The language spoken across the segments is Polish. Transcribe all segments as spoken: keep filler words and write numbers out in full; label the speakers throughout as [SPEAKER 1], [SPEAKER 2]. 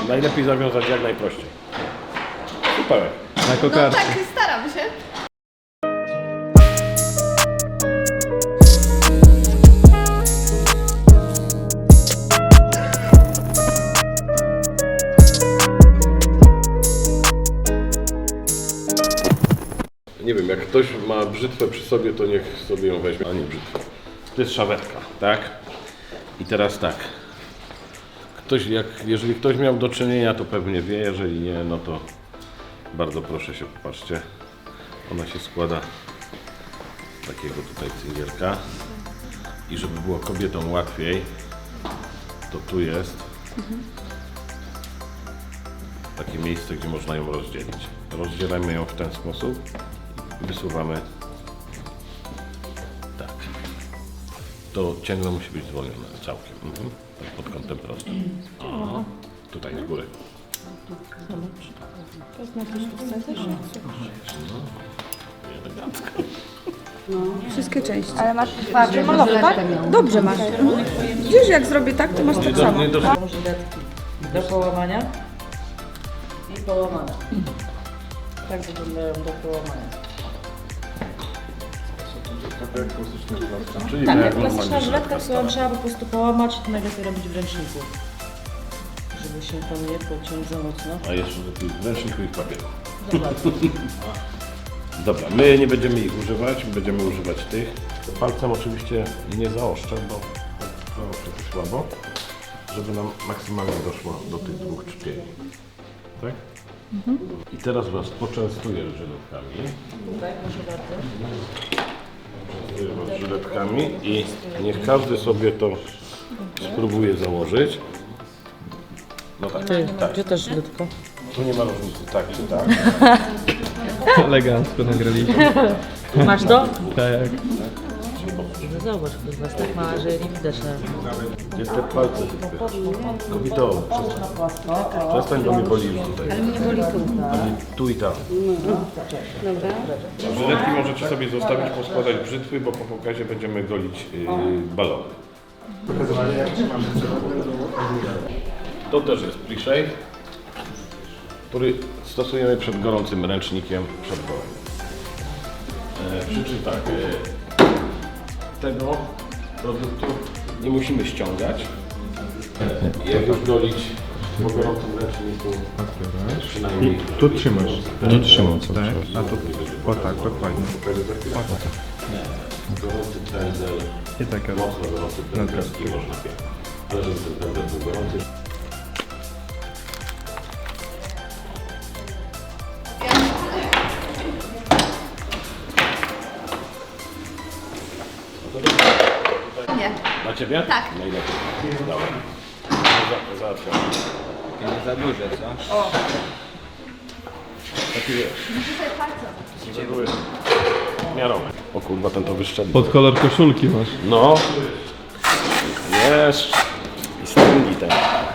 [SPEAKER 1] Najlepiej zawiązać jak najprościej. Super.
[SPEAKER 2] Na
[SPEAKER 3] No
[SPEAKER 2] kokardce.
[SPEAKER 3] tak, staram się.
[SPEAKER 1] Nie wiem, jak ktoś ma brzytwę przy sobie, to niech sobie ją weźmie, a nie brzytwę. To jest szawetka, tak? I teraz tak. Ktoś, jak, jeżeli ktoś miał do czynienia, to pewnie wie, jeżeli nie, no to bardzo proszę się, popatrzcie. Ona się składa z takiego tutaj cyngielka. I żeby było kobietom łatwiej, to tu jest takie miejsce, gdzie można ją rozdzielić. Rozdzielamy ją w ten sposób i wysuwamy tak. To cięgno musi być zwolnione całkiem, mhm. Pod kątem prostym. O, tutaj z góry.
[SPEAKER 4] Wszystkie części.
[SPEAKER 3] Ale masz twardy
[SPEAKER 4] Malowe, tak? Dobrze masz. Widzisz, jak zrobię tak, to masz tak samo.
[SPEAKER 1] Nie do,
[SPEAKER 5] Żyletki do połamania i połamania. Tak wyglądają do połamania.
[SPEAKER 1] czyli
[SPEAKER 5] Tak,
[SPEAKER 1] jak
[SPEAKER 5] jak klasyczna
[SPEAKER 1] normalnie
[SPEAKER 5] żyletka,
[SPEAKER 1] żyletka.
[SPEAKER 5] którą trzeba po prostu połamać, to najlepiej robić w ręczniku. Żeby się tam nie pociąć za mocno.
[SPEAKER 1] A jeszcze lepiej w ręczniku i w papieru.
[SPEAKER 5] Dokładnie.
[SPEAKER 1] Dobra, my nie będziemy ich używać, będziemy używać tych. Palcem oczywiście nie zaostrzę, bo zaostrzę to słabo, żeby nam maksymalnie doszło do tych dwóch czpieni. Tak? Mhm. I teraz Was poczęstuję żyletkami.
[SPEAKER 5] Tak, proszę bardzo.
[SPEAKER 1] Poczęstuję Was żyletkami i niech każdy sobie to spróbuje założyć. No tak,
[SPEAKER 5] Ty,
[SPEAKER 1] tak.
[SPEAKER 5] gdzie też żyletka?
[SPEAKER 1] Tu nie ma różnicy, tak czy tak.
[SPEAKER 2] Elegancko nagraliśmy.
[SPEAKER 5] Masz to?
[SPEAKER 2] Tak.
[SPEAKER 5] No zobacz, to jest was tak mała, że nie widać na...
[SPEAKER 1] Gdzie te palce wypychasz? Kobito, przestań. Przestań, bo mnie boli już tutaj.
[SPEAKER 4] Ale mnie boli tu.
[SPEAKER 1] Boli tu i tam.
[SPEAKER 4] Dobra.
[SPEAKER 1] Żyletki możecie sobie zostawić, poskładać brzytwy, bo po pokazie będziemy golić yy, balony. To też jest pre-shave, który stosujemy przed gorącym ręcznikiem przed golem. E, przy czym tak, e, tego produktu nie musimy ściągać. E, jak już golić po gorącym ręczniku, przynajmniej...
[SPEAKER 6] Tu trzymasz.
[SPEAKER 1] Nie
[SPEAKER 6] trzymam, tak? A tu, o tak, dokładnie.
[SPEAKER 1] Gorący pędzel,
[SPEAKER 6] I tak,
[SPEAKER 1] mocno gorący pędzel i można piać. Ale żeby ten pędzel był gorący.
[SPEAKER 3] Nie.
[SPEAKER 1] Dla Ciebie?
[SPEAKER 3] Tak.
[SPEAKER 1] Najlepiej. Dobra. Za- Załatwiam.
[SPEAKER 2] Nie za duże, co?
[SPEAKER 1] Taki wiesz. Z reguły miarowy. O kurwa, ten to wyszczelił.
[SPEAKER 2] Pod kolor koszulki masz.
[SPEAKER 1] No. Jest. I stringi ten.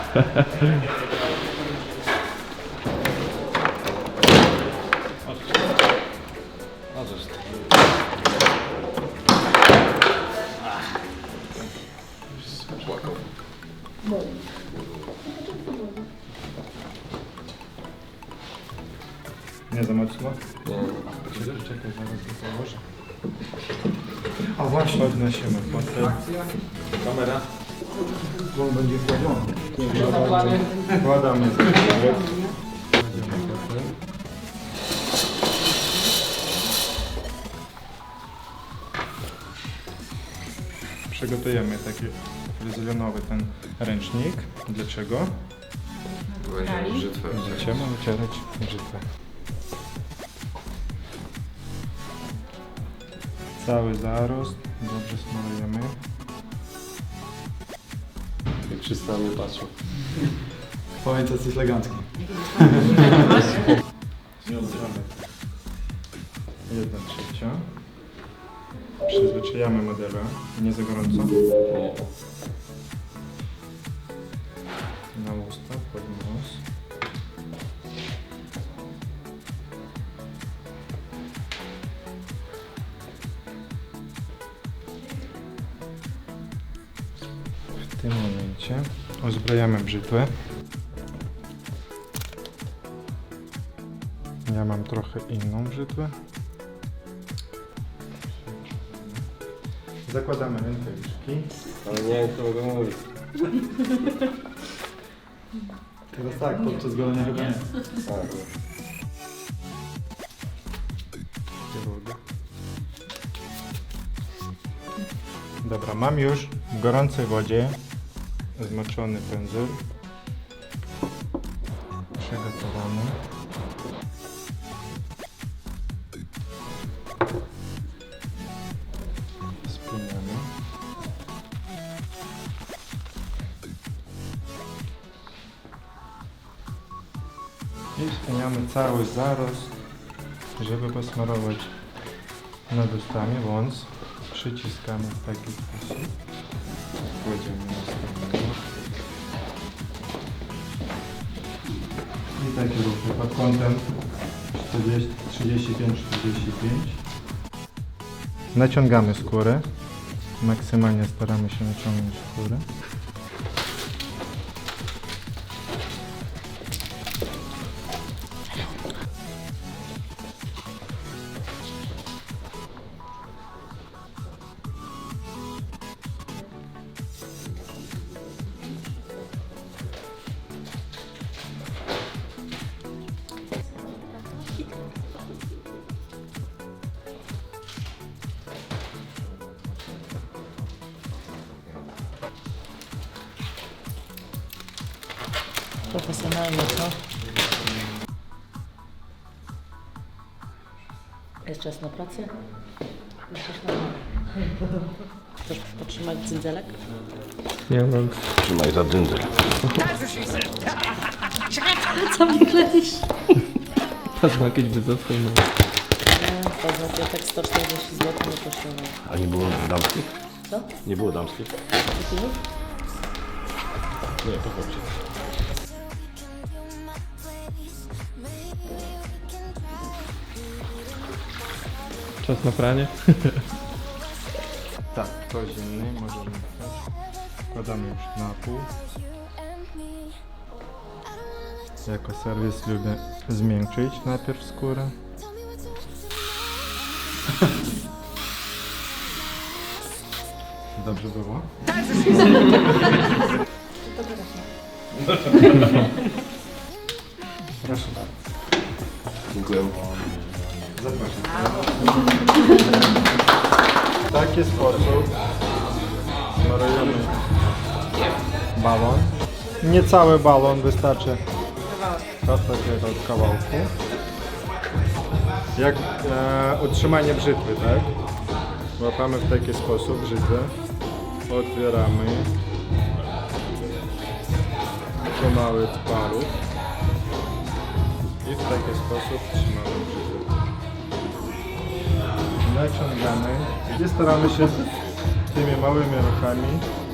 [SPEAKER 6] Nie za mocno? Nie. Czekaj, zaraz to założę. A właśnie, podnosimy fotel. Kamera. On będzie wkładany. Wkładamy. Przygotujemy taki fryzjonowy ten ręcznik. Dlaczego? Będziemy wycierać brzytwę. Cały zarost, dobrze smarujemy.
[SPEAKER 1] Jak wszyscy na mnie patrzą.
[SPEAKER 6] Powiedz, że jesteś elegancki. Jedna trzecia. Przyzwyczajamy modela, nie za gorąco. Na usta, pod nos. W tym momencie uzbrajamy brzytwę. Ja mam trochę inną brzytwę. Zakładamy rękawiczki.
[SPEAKER 1] Ale nie wiem, co mogę mówić.
[SPEAKER 6] Teraz tak, podczas golenia chyba nie. Dobra, mam już w gorącej wodzie zmoczony pędzel. Przygotowany. Spinamy. I wspiniamy cały zarost, żeby posmarować nad ustami, wąs. Przyciskamy w taki sposób. Kładziemy następnego. I takie ruchy pod kątem trzydzieści pięć czterdzieści pięć. Naciągamy skórę. Maksymalnie staramy się naciągnąć skórę.
[SPEAKER 5] Profesjonalnie, co? Jest czas na pracę? Jest czas na... Chcesz potrzymać cyndzelek?
[SPEAKER 2] Nie mam.
[SPEAKER 1] Trzymaj za dyndę.
[SPEAKER 5] Co mi kleisz?
[SPEAKER 2] Patrz, ma jakieś wyzowskie.
[SPEAKER 5] Nie, to za kwiatek sto czterdzieści złotych nie kosztował.
[SPEAKER 1] A nie było damskich?
[SPEAKER 5] Co?
[SPEAKER 1] Nie było damskich?
[SPEAKER 5] Kupiłeś?
[SPEAKER 1] Nie, to chodzi.
[SPEAKER 2] Czas na pranie.
[SPEAKER 6] Tak, to zimny, możemy wstać. Wkładamy już na pół. Jako serwis lubię zmiękczyć najpierw skórę. Dobrze było? Proszę bardzo.
[SPEAKER 1] Dziękuję.
[SPEAKER 6] Zapraszam. W taki sposób smarujemy balon. Nie cały balon, wystarczy od takiego kawałku. Jak e, utrzymanie brzytwy, tak? Łapamy w taki sposób brzytwę, otwieramy pomału parów i w taki sposób trzymamy brzytwę. Naciągamy i staramy się tymi małymi ruchami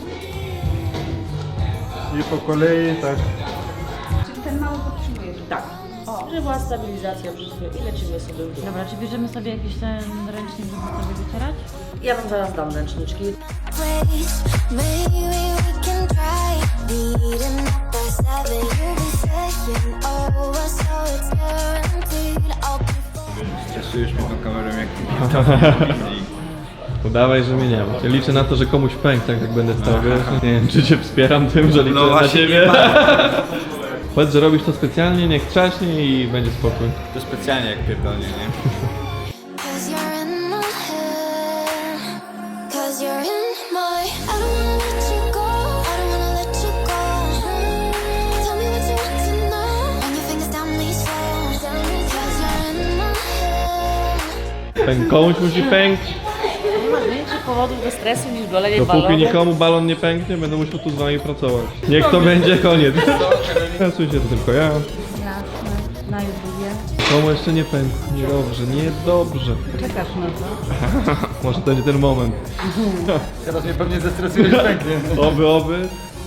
[SPEAKER 6] i po kolei tak.
[SPEAKER 4] Czyli ten mały podtrzymuje.
[SPEAKER 5] Tak. Że była stabilizacja brzytwy i lecimy sobie w dół.
[SPEAKER 7] Dobra, czy bierzemy sobie jakiś ten ręcznik, żeby sobie wycierać?
[SPEAKER 5] Ja wam zaraz dam ręczniczki.
[SPEAKER 8] place. Maybe we can try beating up by seven. You'll be saying over, so it's guaranteed. I'll be
[SPEAKER 2] Cieszysz mnie tą kamerą jak Udawaj, że mnie nie ma. Ja liczę na to, że komuś pęk, tak jak będę stał, wiesz? Nie wiem, czy cię wspieram tym, że liczę
[SPEAKER 9] No
[SPEAKER 2] na
[SPEAKER 9] właśnie,
[SPEAKER 2] ciebie. Powiedz, że robisz to specjalnie, niech trzaśnie i będzie spokój.
[SPEAKER 9] To specjalnie jak pierdolnie, nie?
[SPEAKER 8] Cause you're in my head. Cause you're in my. I don't wanna let you go. I don't wanna let you go. Tell me what you want to know. Run your fingers down these floors. Cause you're in my head.
[SPEAKER 2] Pęk, komuś musi pękć.
[SPEAKER 5] Nie ma większych powodów do stresu niż golenie
[SPEAKER 2] Dopóki
[SPEAKER 5] balonu.
[SPEAKER 2] nikomu balon nie pęknie, będę musiał tu z wami pracować. Niech to będzie koniec. Stresuj się, to tylko ja.
[SPEAKER 7] Ja na, na YouTubie.
[SPEAKER 2] Komu jeszcze nie pękł. Niedobrze, niedobrze.
[SPEAKER 7] Czekasz na to?
[SPEAKER 2] Może to będzie ten moment.
[SPEAKER 6] Teraz mnie pewnie zestresujesz pęknie.
[SPEAKER 2] Oby, oby.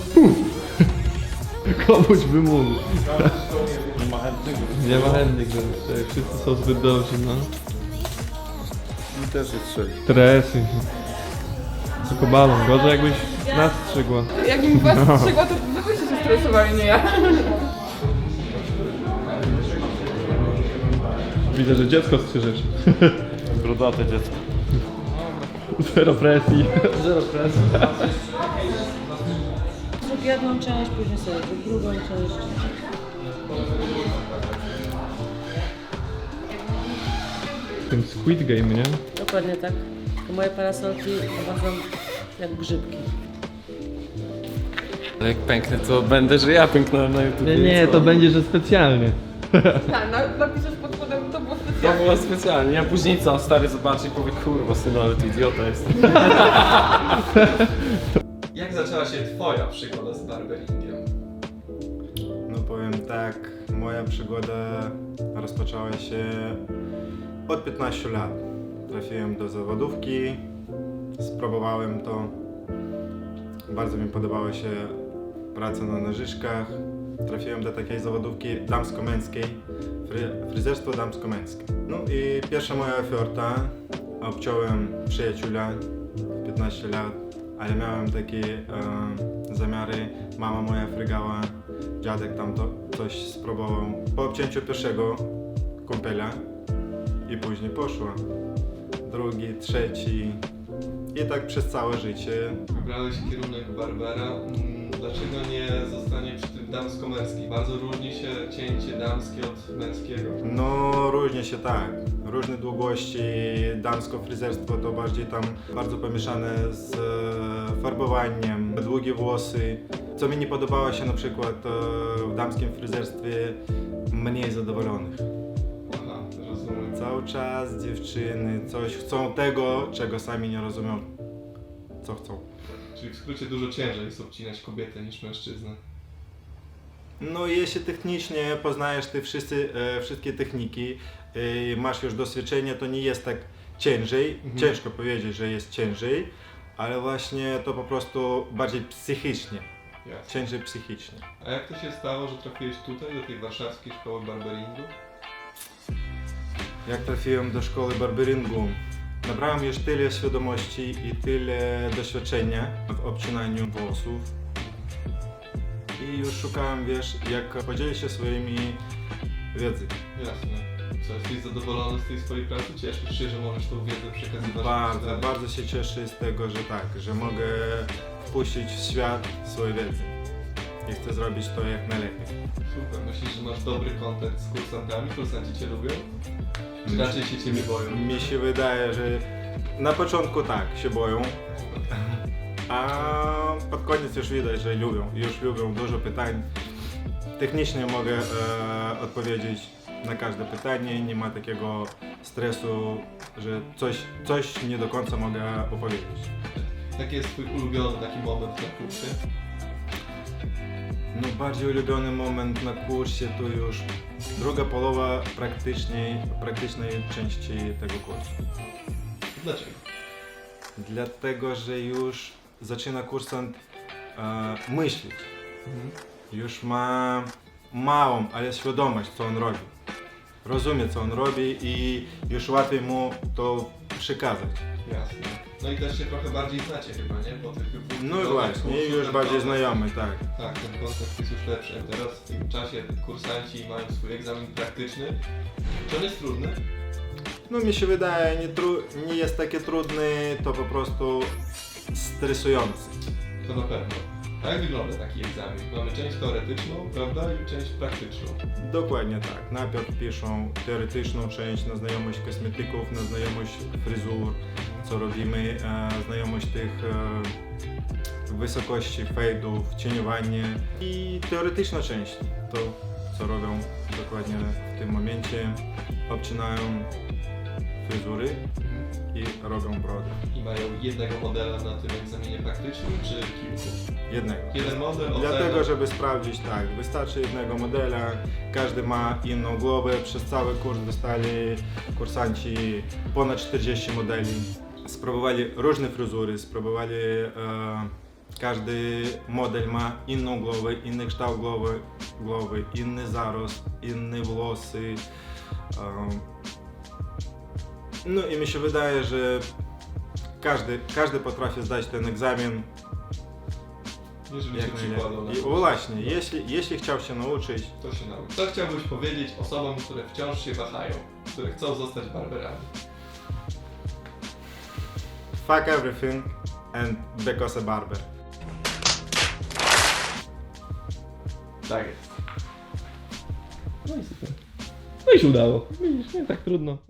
[SPEAKER 2] Komuś by mógł.
[SPEAKER 1] Nie ma chętnych.
[SPEAKER 2] Nie ma chętnych, że wszyscy są zbyt dobrzy, no.
[SPEAKER 1] Mi też jest strzeli.
[SPEAKER 2] Stresy. Tylko balon, gorzej jakbyś nas strzygła.
[SPEAKER 4] Jak mi was strzygła, to wy byście się stresowali, nie ja.
[SPEAKER 2] Widzę, że dziecko strzyżesz.
[SPEAKER 1] Brodate dziecko.
[SPEAKER 2] Zero presji. Zero presji.
[SPEAKER 5] Zrób jedną część, później sobie zrób drugą część.
[SPEAKER 2] W tym Squid Game, nie?
[SPEAKER 5] Dokładnie tak. To moje parasolki wychodzą jak grzybki.
[SPEAKER 9] Ale jak pęknę, to będę, że ja pęknąłem na YouTube.
[SPEAKER 2] Nie, nie, to będzie, że specjalnie.
[SPEAKER 4] Tak, napiszesz pod spodem, to było
[SPEAKER 9] To
[SPEAKER 4] specjalnie.
[SPEAKER 9] było specjalnie. Ja później co, stary zobaczy i powie, kurwa synu, ale ty idiota jest.
[SPEAKER 2] Jak zaczęła się twoja przygoda z barberingiem?
[SPEAKER 6] No powiem tak, moja przygoda rozpoczęła się od piętnastu lat. Trafiłem do zawodówki, spróbowałem to. Bardzo mi podobała się praca na nożyczkach. Trafiłem do takiej zawodówki damsko-męskiej, fry, fryzjerstwo damsko-męskie. No i pierwsza moja oferta, obciąłem przyjaciela w piętnaście lat, ale miałem takie e, zamiary, mama moja frygała, dziadek tam to coś spróbował. Po obcięciu pierwszego kumpela i później poszło, drugi, trzeci i tak przez całe życie.
[SPEAKER 2] Wybrałeś kierunek barbera. Mm, Dlaczego nie zostanie przy tym damsko-męskim? Bardzo różni się cięcie damskie od męskiego.
[SPEAKER 6] No różnie się tak, różne długości, damsko fryzjerstwo to bardziej tam bardzo pomieszane z e, farbowaniem, długie włosy. Co mi nie podobało się na przykład e, w damskim fryzjerstwie, mniej zadowolonych.
[SPEAKER 2] Aha, rozumiem.
[SPEAKER 6] Cały czas dziewczyny coś chcą tego, czego sami nie rozumią, co chcą.
[SPEAKER 2] Czyli w skrócie dużo ciężej jest obcinać kobietę niż mężczyznę.
[SPEAKER 6] No jeśli technicznie poznajesz te wszyscy, e, wszystkie techniki, e, masz już doświadczenie, to nie jest tak ciężej,
[SPEAKER 2] Mhm.
[SPEAKER 6] ciężko powiedzieć, że jest ciężej, ale właśnie to po prostu bardziej psychicznie,
[SPEAKER 2] Jasne.
[SPEAKER 6] ciężej psychicznie.
[SPEAKER 2] A jak to się stało, że trafiłeś tutaj, do tej warszawskiej szkoły barberingu?
[SPEAKER 6] Jak trafiłem do szkoły barberingu, nabrałem już tyle świadomości i tyle doświadczenia w obcinaniu włosów i już szukałem, wiesz, jak podzielić się swoimi wiedzą.
[SPEAKER 2] Jasne. Co, jesteś zadowolony z tej swojej pracy? Cieszysz się, że możesz tą wiedzę przekazywać?
[SPEAKER 6] Bardzo,
[SPEAKER 2] dalej?
[SPEAKER 6] bardzo się cieszę z tego, że tak, że mogę wpuścić w świat swoje wiedzy i chcę zrobić to jak najlepiej.
[SPEAKER 2] Super. Myślisz, że masz dobry kontakt z kursantami? Kursanci cię lubią? Czy raczej się ciebie boją?
[SPEAKER 6] Mi się wydaje, że na początku tak, się boją, a pod koniec już widać, że lubią, już lubią dużo pytań. Technicznie mogę e, odpowiedzieć na każde pytanie, nie ma takiego stresu, że coś, coś nie do końca mogę opowiedzieć.
[SPEAKER 2] Jaki jest twój ulubiony taki moment na kursie?
[SPEAKER 6] No bardziej ulubiony moment na kursie to już druga połowa praktycznej, praktycznej części tego kursu.
[SPEAKER 2] Dlaczego?
[SPEAKER 6] Dlatego, że już zaczyna kursant e, myśleć. Już ma małą, ale świadomość, co on robi. Rozumie, co on robi i już łatwiej mu to przekazać.
[SPEAKER 2] Jasne. No i też się trochę bardziej znacie chyba, nie? Po tych
[SPEAKER 6] No właśnie, już bardziej znajomy, tak.
[SPEAKER 2] Tak, ten kontakt jest już lepszy. Teraz w tym czasie kursanci mają swój egzamin praktyczny. Czy on jest trudny?
[SPEAKER 6] No mi się wydaje, nie, tru, nie jest takie trudny, to po prostu stresujący.
[SPEAKER 2] To na pewno. A jak wygląda taki egzamin? Mamy część teoretyczną, prawda? I część praktyczną.
[SPEAKER 6] Dokładnie tak. Najpierw piszą teoretyczną część na znajomość kosmetyków, na znajomość fryzur, co robimy, e, znajomość tych e, wysokości fejdów, cieniowanie i teoretyczna część, to co robią dokładnie w tym momencie, obcinają fryzury i robią brody.
[SPEAKER 2] I mają jednego modela na tym egzaminie praktycznym, czy kilku?
[SPEAKER 6] Jednego.
[SPEAKER 2] Jeden model, ocena.
[SPEAKER 6] Dlatego, żeby sprawdzić, tak, wystarczy jednego modela, każdy ma inną głowę, przez cały kurs dostali kursanci ponad czterdzieści modeli. Spróbowali różne fryzury, spróbowali, e, każdy model ma inną głowę, inny kształt głowy, głowy inny zarost, inne włosy. E, no i mi się wydaje, że każdy, każdy potrafi zdać ten egzamin.
[SPEAKER 2] Jeżeli się
[SPEAKER 6] Jak
[SPEAKER 2] przykładał na
[SPEAKER 6] najlepiej. I
[SPEAKER 2] kursie.
[SPEAKER 6] właśnie, jeśli, jeśli chciał się nauczyć,
[SPEAKER 2] To się nauczy. Co chciałbyś powiedzieć osobom, które wciąż się wahają? które chcą zostać barberami.
[SPEAKER 6] Fuck everything and because a barber.
[SPEAKER 2] Tak jest. No i super. No i się udało. Widzisz, nie tak trudno.